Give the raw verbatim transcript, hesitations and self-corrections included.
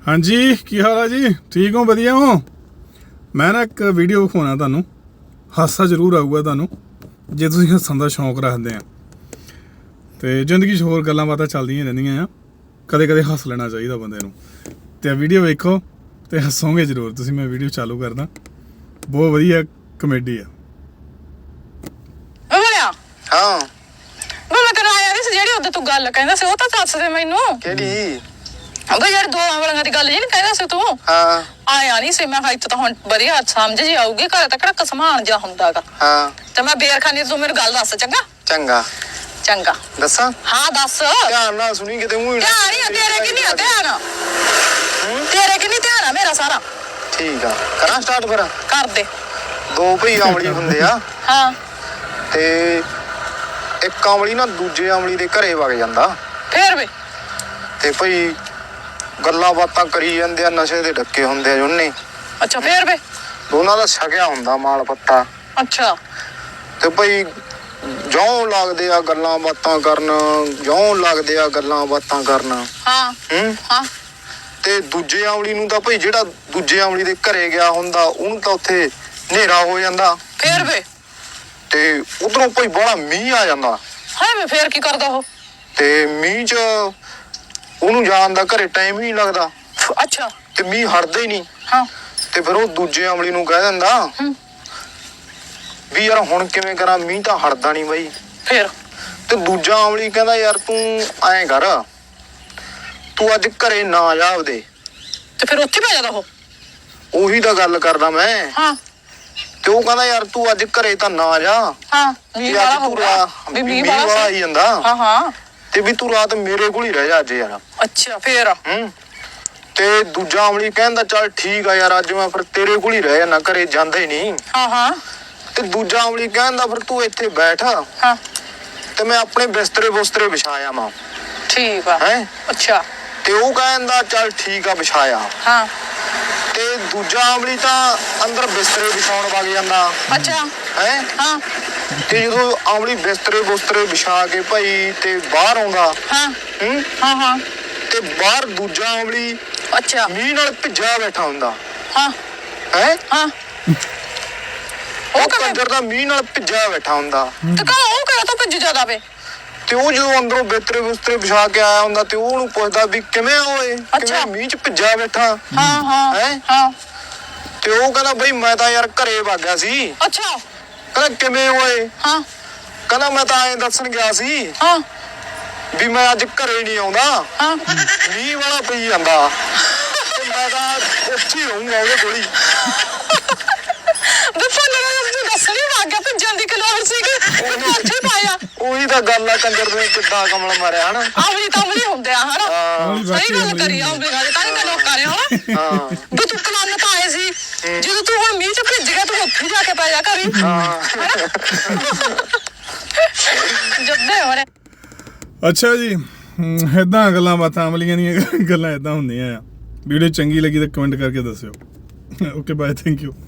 हाँ जी की हाल है जी? ठीक हो? वधिया हो? मैं ना एक वीडियो विखाना तुहानूं, हासा जरूर आऊगा तुहानूं जे तुसीं हस्सण दा शौक रखदे आ ते जिंदगी च होर गल्लां बातां चलदियां रहिंदियां आ, कदे कदे हੱਸ लेना चाहिदा बंदे नूं। ते वीडियो वेखो ते हੱसोगे जरूर तुसीं। मैं वीडियो चालू करदा, बहुत वधिया कमेडी आ। हाँ मैं तेरा आया नहीं सी जेड़ी उधर तू गल कहंदा सी, ओ तां दस दे मैनू केड़ी बई यार दो वालियां दी गल जी नहीं कहंदा सी तू। हाँ आया नहीं सी, मैं हा इत्थे तां हुण वधिया समझ जी आऊगी, घर तक किहड़ा कसमान जा हुंदागा। हाँ ते मैं बेरखानी तू मेनू गल दस चंगा चंगा चंगा दसा हाँ दस। ध्यान नाल सुनी किते मूंह ध्यान ही तेरे कि नहीं ध्यान, तेरे कि नहीं ध्यान है मेरा सारा। ठीक आ करा स्टार्ट फिर। कर दे। दो भई अमली हुंदे आ हाँ ते एक अमली ना दूजे अमली दे घरे वग ਜਾਂਦਾ फिर भी ਤੇ ਭਈ ਗੱਲਾਂ ਬਾਤਾਂ ਕਰੀ ਜਾਂਦੇ ਆ, ਨਸ਼ੇ ਦੇ ਡੱਕੇ ਹੁੰਦੇ ਆ ਜੁੰਨੇ। अच्छा फिर भी ਦੋਨਾਂ ਦਾ ਛਕਿਆ ਹੁੰਦਾ ਮਾਲ ਪੱਤਾ। अच्छा ਤੇ ਭਈ ਜੌਂ ਲੱਗਦੇ ਆ ਗੱਲਾਂ ਬਾਤਾਂ ਕਰਨ, ਜੌਂ ਲੱਗਦੇ ਆ ਗੱਲਾਂ ਬਾਤਾਂ ਕਰਨ। हाँ ਹੂੰ हाँ ਤੇ ਦੂਜੇ ਅਮਲੀ ਨੂੰ ਤਾਂ ਭਈ ਜਿਹੜਾ ਦੂਜੇ ਅਮਲੀ ਦੇ ਘਰੇ ਗਿਆ ਹੁੰਦਾ ਉਹਨੂੰ ਤਾਂ ਉੱਥੇ ਹਨੇਰਾ ਹੋ ਜਾਂਦਾ। फिर भी ਤੇ ਉਧਰੋਂ ਭਈ ਬੜਾ ਮੀਂਹ ਆ ਜਾਂਦਾ हाय मैं फिर की करदा हो। ਤੇ ਮੀਂਹ 'ਚ ਉਹਨੂੰ ਜਾਣ ਦਾ ਘਰੇ ਟਾਈਮ ਹੀ ਨਹੀਂ ਲੱਗਦਾ अच्छा ਤੇ ਮੀਂਹ ਹਟਦਾ ਹੀ ਨਹੀਂ। हाँ ਤੇ ਫਿਰ ਉਹ ਦੂਜੇ ਅਮਲੀ ਨੂੰ ਕਹਿ ਦਿੰਦਾ ਹੂੰ ਵੀ ਯਾਰ ਹੁਣ ਕਿਵੇਂ ਕਰਾਂ, ਮੀਂਹ ਤਾਂ ਹਟਦਾ ਨਹੀਂ ਬਾਈ। फिर ਤੇ ਦੂਜਾ ਅਮਲੀ ਕਹਿੰਦਾ ਯਾਰ ਤੂੰ ਐਂ ਕਰ, ਤੂੰ ਅੱਜ ਘਰੇ ਨਾ ਜਾ ਉਹਦੇ। ਤੇ ਫਿਰ ਉੱਥੇ ਪੈ ਜਾਂਦਾ ਉਹ। ਉਹੀ ਤਾਂ ਗੱਲ ਕਰਦਾ ਮੈਂ। ਹਾਂ ਤੇ ਉਹ ਕਹਿੰਦਾ ਯਾਰ ਤੂੰ ਅੱਜ ਘਰੇ ਤਾਂ ਨਾ ਜਾ, ਹਾਂ ਮੀਂਹ ਵਾਲਾ ਹੋਊਗਾ ਵੀ ਮੀਂਹ ਵਾਲਾ ਆਈ ਜਾਂਦਾ। ਹਾਂ ਹਾਂ ਤੇ ਵੀ ਤੂੰ ਰਾਤ ਮੇਰੇ ਕੋਲ ਹੀ ਰਹਿ ਜਾ ਅੱਜ ਯਾਰ। ਅੱਛਾ ਫਿਰ ਹੂੰ ਤੇ ਦੂਜਾ ਅਮਲੀ ਕਹਿੰਦਾ ਚੱਲ ਠੀਕ ਆ ਯਾਰ ਅੱਜ ਮੈਂ ਫਿਰ ਤੇਰੇ ਕੋਲ ਹੀ ਰਹਿ ਜਾਣਾ, ਘਰੇ ਜਾਂਦਾ ਹੀ ਨਹੀਂ। ਹਾਂ ਹਾਂ ਤੇ ਦੂਜਾ ਅਮਲੀ ਕਹਿੰਦਾ ਫਿਰ ਤੂੰ ਇੱਥੇ ਬੈਠ ਹਾਂ ਤੇ ਮੈਂ ਆਪਣੇ ਬਿਸਤਰੇ ਬੁਸਤਰੇ ਵਿਛਾਇਆ ਮਾਂ। ਠੀਕ ਆ ਹੈ ਅੱਛਾ ਤੇ ਉਹ ਕਹਿੰਦਾ ਚੱਲ ਠੀਕ ਆ ਵਿਛਾਇਆ। ਹਾਂ ਤੇ ਦੂਜਾ ਅਮਲੀ ਤਾਂ ਅੰਦਰ ਬਿਸਤਰੇ ਵਿਛਾਉਣ ਵਗ ਜਾਂਦਾ। ਅੱਛਾ ਹੈ ਹਾਂ ਤੇ ਜਦੋਂ ਅਮਲੀ ਬਿਸਤਰੇ ਬੁਸਤਰੇ ਵਿਛਾ ਕੇ ਭਾਈ ਤੇ ਬਾਹਰ ਆਉਂਦਾ ਹਾਂ ਹੂੰ ਹਾਂ ਹਾਂ ਤੇ ਬਾਹਰ ਦੂਜਾ ਅਮਲੀ ਅੱਛਾ ਮੀਂਹ ਨਾਲ ਭਿੱਜਾ ਬੈਠਾ ਹੁੰਦਾ। ਹਾਂ ਹੈ ਹਾਂ ਉਹ ਉਹ ਕਿਵੇਂ ਕੰਜਰ ਦਾ ਮੀਂਹ ਨਾਲ ਭਿੱਜਾ ਬੈਠਾ ਹੁੰਦਾ। ਤੇ ਕਾ ਉਹ ਕਿਹੜਾ ਤਾਂ ਭੱਜ ਜਾਂਦਾ ਵੇ। ਤੇ ਉਹ ਜਦੋਂ ਅੰਦਰੋਂ ਬਿਸਤਰੇ ਬੁਸਤਰੇ ਵਿਛਾ ਕੇ ਆਇਆ ਹੁੰਦਾ ਤੇ ਉਹ ਉਹਨੂੰ ਪੁੱਛਦਾ ਵੀ ਕਿਵੇਂ ਆ ਓਏ, ਕਿਵੇਂ ਮੀਂਹ 'ਚ ਭਿੱਜਾ ਬੈਠਾ। ਹਾਂ ਹਾਂ ਹੈ ਹਾਂ ਤੇ ਉਹ ਕਹਿੰਦਾ ਬਈ ਮੈਂ ਤਾਂ ਯਾਰ ਘਰੇ ਵਗ ਗਿਆ ਸੀ। ਅੱਛਾ ਕਹਿੰਦਾ ਕਿਵੇਂ ਓਏ? ਹਾਂ ਕਹਿੰਦਾ ਮੈਂ ਤਾਂ ਐਂ ਦੱਸਣ ਗਿਆ ਸੀ ਹਾਂ ਵੀ ਮੈਂ ਅੱਜ ਘਰੇ ਨਹੀਂ ਆਉਂਦਾ, ਹਾਂ ਮੀਂਹ ਵਾਲਾ ਪਈ ਜਾਂਦਾ ਤੇ ਮੈਂ ਤਾਂ ਉੱਥੇ ਹੀ ਰਹੂੰਗਾ ਉਹਦੇ ਕੋਲ ਹੀ। ਦੱਸਣ ਲੱਗਾ ਤੂੰ ਦੱਸ ਨਹੀਂ ਵਾਗਿਆ ਭੱਜਣ ਦੀ ਕਲੋਰ ਸੀਗੀ ਉਹ ਉੱਥੇ ਪਾਇਆ। ਉਹੀ ਤਾਂ ਗੱਲ ਆ ਕੰਜਰ ਨੇ ਕਿੱਦਾਂ ਕਮਲ ਮਾਰਿਆ ਹਨਾ। ਆਵਲੀ ਤਾਂ ਆਵਲੀ ਹੁੰਦੇ ਆ ਹਨਾ। ਹਾਂ ਸਹੀ ਗੱਲ ਕਰੀ ਆਵਲੀ ਨਾਲ ਤਾਂ ਹੀ ਤਾਂ ਲੋਕਾਂ ਨੇ ਹਨਾ। ਹਾਂ ਵੀ ਤੂੰ ਕਲੰਨ ਤਾਂ ਆਏ ਸੀ, ਜਦੋਂ ਤੂੰ ਹੁਣ ਮੀਂਹ ਚ ਭਿੱਜ ਗਿਆ ਤੂੰ ਉੱਥੇ ਜਾ ਕੇ ਪੈ ਜਾ ਘਰੀ। ਜੱਦੇ ਹੋਣੇ ਅੱਛਾ ਜੀ, ਇੱਦਾਂ ਗੱਲਾਂ ਬਾਤਾਂ ਅਮਲੀਆਂ ਦੀਆਂ ਗੱਲਾਂ ਇੱਦਾਂ ਹੁੰਦੀਆਂ ਆ। ਵੀਡੀਓ ਚੰਗੀ ਲੱਗੀ ਤਾਂ ਕਮੈਂਟ ਕਰਕੇ ਦੱਸਿਓ। Okay bye, thank you.